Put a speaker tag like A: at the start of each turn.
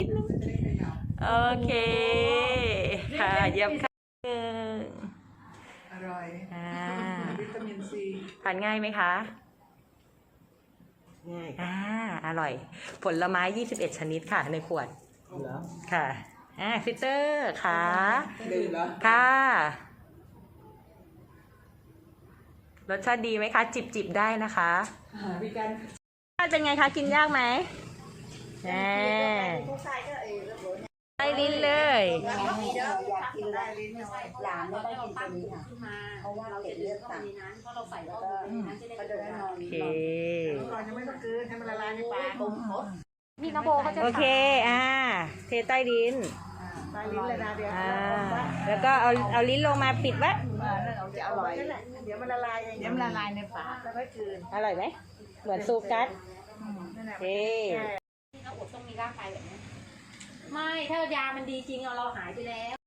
A: โอเคค่ะเยี่ยมค่ะ
B: อร่อยวิตามินซี
A: ทานง่ายไหมคะ
B: ง่าย
A: อร่อยผลไม้21ชนิดค่ะในขวดค่ะฟิเตอร์ค่ะ
B: ดื่มเหรอ
A: ค่ะรสชาติดีไหมคะจิบได้นะคะ
B: พี่กัน
A: เป็นไงคะกินยากไหมใต้ลิ้นเลย
C: อยากกินได้ลิ้นหลานไม่ได้กินตัวนี้ค่ะเพราะว่าเราเลือดต่ำเพราะเราใส่แล้วก็จะได้นอน
A: โอเค
B: ยังไม่ต้องกลืนให้มันละลายในปาก
A: มีน้ำโบเขาจะโอเคเทใต้ลิ้น
B: ใต้ลิ้นเลยนะเดี๋ยว
A: แล้วก็เอาลิ้นลงมาปิดไว้
B: จะอร่อยเดี๋ยวมันละลายเองเดี๋ยวมันละลายในปากแล้วก็กลืน
A: อร่อยไหมเหมือนซูกัสโอเค
C: เราอดต้องมีร่างกายแบบนี้ไม่ถ้ายามันดีจริงเราหายไปแล้ว